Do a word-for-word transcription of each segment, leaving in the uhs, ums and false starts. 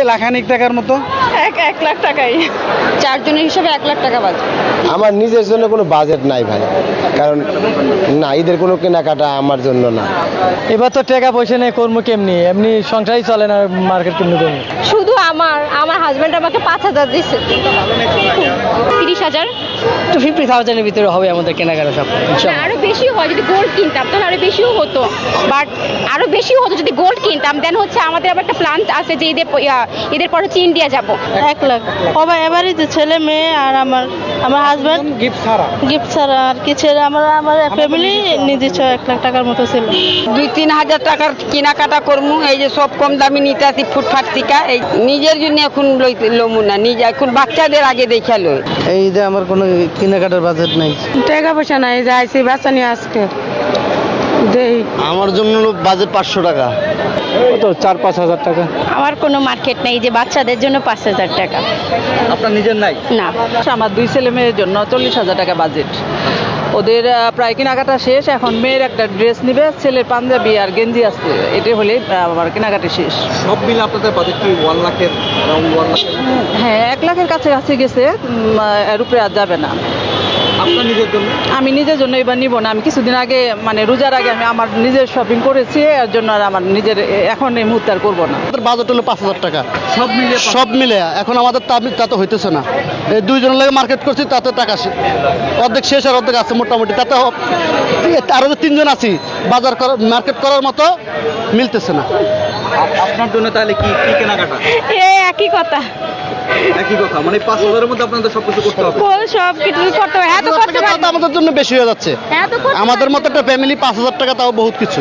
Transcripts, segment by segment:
লাখানিক টাকার মতো। এক এক লাখ টাকাই, চারজনের হিসাবে এক লাখ টাকা বাজে। আমার নিজের জন্য কোনো বাজেট নাই ভাই, কারণ না, ঈদের কোনো কেনাকাটা আমার জন্য না। এবার তো টাকা পয়সা নেই, কর্ম কেমনি, এমনি সংসারই চলে না, মার্কেট কেমনি করবো। শুধু আমার আমার হাজবেন্ড আমাকে পাঁচ হাজার দিচ্ছে, তিরিশ হাজার তো ফিফটি থাউজেন্ডের ভিতরে হবে আমাদের কেনাকাটা সব। না, আরো বেশি হয় যদি গোল্ড কিনতাম তাহলে আরো বেশিও হতো, বাট আরো বেশিও হতো যদি গোল্ড কিনতাম। দেন হচ্ছে আমাদের আবার একটা প্ল্যান আছে যে ঈদের প- ইয়া, ঈদের পর হচ্ছে ইন্ডিয়া যাব। এক লাখ সবাই এবারই তো, ছেলে মেয়ে আর আমার আমার হাজব্যান্ড গিফট ছাড়া গিফট ছাড়া আর কি, ছেলে আমার আমার ফ্যামিলি নিজস্ব এক লাখ টাকার মতো ছিল। দুই তিন হাজার টাকার কেনাকাটা করমু, এই যে সব কম দামি নিতে আসি ফুটফাট টিকা, এই নিজের জন্য এখন লমু না, নিজে এখন বাচ্চাদের আগে দেখা লই। এই ঈদে আমার কোনো কেনাকাটার বাজেট নেই। টাকা পয়সা নাই, যাইছি বাচ্চা নিয়ে আজকে দেই। আমার জন্য বাজেট পাঁচশো টাকা, কত চার পাঁচ হাজার টাকা। আমার কোনো মার্কেট নেই যে বাচ্চাদের জন্য পাঁচ হাজার টাকা। আপনার নিজের নাই? না, আমার দুই ছেলে মেয়ের জন্য চল্লিশ হাজার টাকা বাজেট। ওদের আহ, প্রায় কেনাকাটা শেষ, এখন মেয়ের একটা ড্রেস নিবে, ছেলের পাঞ্জাবি আর গেঞ্জি আসছে, এটা হলে আমার কেনাকাটা শেষ। সব মিলে আপনাদের বাজেট কি ওয়ান লাখের রাউন্ড ওয়ান লাখের? হ্যাঁ, এক লাখের কাছে কাছে গেছে, উম, আহ, এর উপরে আর যাবে না। আপনার নিজের জন্য? আমি নিজের জন্য এবার নিব না, আমি কিছুদিন আগে মানে রোজার আগে আমি আমার নিজের শপিং করেছি, এর জন্য আর আমার নিজের এ- এখন এই মুহূর্তে আর করবো না। আমাদের বাজেট হলো পাঁচ হাজার টাকা, সব মিলে সব মিলে। এখন আমাদের তা তা তো হইতেছে না, এই দুইজনের লাগে মার্কেট করছি, তাতে টাকা শে- অর্ধেক শেষ আর অর্ধেক আছে মোটামুটি, তাতে হ- আরো যে তিনজন আছি, বাজার করার মার্কেট করার মতো মিলতেছে না। আপনার জন্য তাহলে কি কি কেনাকাটা? এ একই কথা, একই কথা, মানে পাঁচ হাজারের মধ্যে আপনাদের সবকিছু করতে হবে। সব কিছু করতে হবে, এত করতে টাকা তো আমাদের জন্য বেশি হয়ে যাচ্ছে। এত করতে আমাদের মতো একটা ফ্যামিলি পাঁচ হাজার টাকা তাও বহুত কিছু।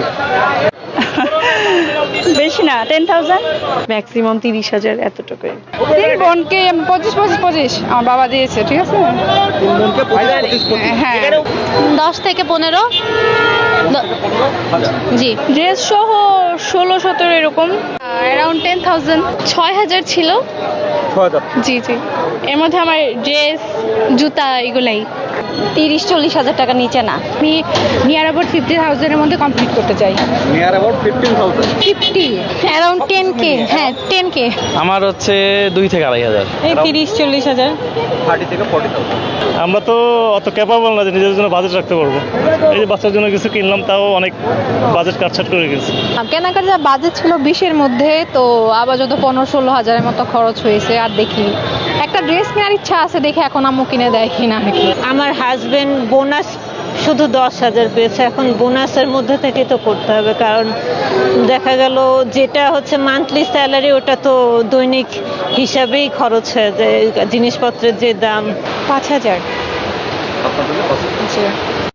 বেশি না, টেন থাউজেন্ড ম্যাক্সিমাম তিরিশ হাজার এতটুকুই। তিন বোনকে পঁচিশ পঁচিশ পঁচিশ আমার বাবা দিয়েছে, ঠিক আছে। তিন বোনকে পঁচিশ পঁচিশ। হ্যাঁ, দশ থেকে পনেরো। জি, ড্রেস সহ ষোলো সতেরো এরকম, অ্যারাউন্ড টেন থাউজেন্ড। ছয় হাজার ছিল। ছয় হাজার। জি জি, এর মধ্যে আমার ড্রেস জুতা এগুলাই তিরিশ চল্লিশ হাজার টাকা নিচে না। আমি নিয়ার অ্যাবাউট ফিফটি থাউজেন্ডের মধ্যে কমপ্লিট করতে চাই। Near about fifteen thousand. Fifty, around ten K. হ্যাঁ, টেন কে। আমার হচ্ছে দুই থেকে আড়াই হাজার। এই তিরিশ চল্লিশ হাজার। থার্টি থেকে ফর্টি থাউজেন্ড। আমরা তো অত ক্যাপাবল না যে নিজের জন্য বাজেট রাখতে পারবো। এই যে বাচ্চার জন্য কিছু কিনলাম, তাও অনেক বাজেট কাটছাট করে গেছে। কেনাকাটা বাজেট ছিল বিশের মধ্যে, তো আবার যত পনেরো ষোলো হাজারের মতো খরচ হয়েছে আর দেখি একটা ড্রেস কেনার ইচ্ছা আছে, দেখে এখন আম্মু কিনে দেয় কিনা নাকি। আমার হাজবেন্ড বোনাস শুধু দশ হাজার পেয়েছে, এখন বোনাসের মধ্যে থেকে তো করতে হবে, কারণ দেখা গেল যেটা হচ্ছে মান্থলি স্যালারি ওটা তো দৈনিক হিসাবেই খরচ হয়ে যায়, জিনিসপত্রের যে দাম। পাঁচ হাজার। আপনার জন্য কত?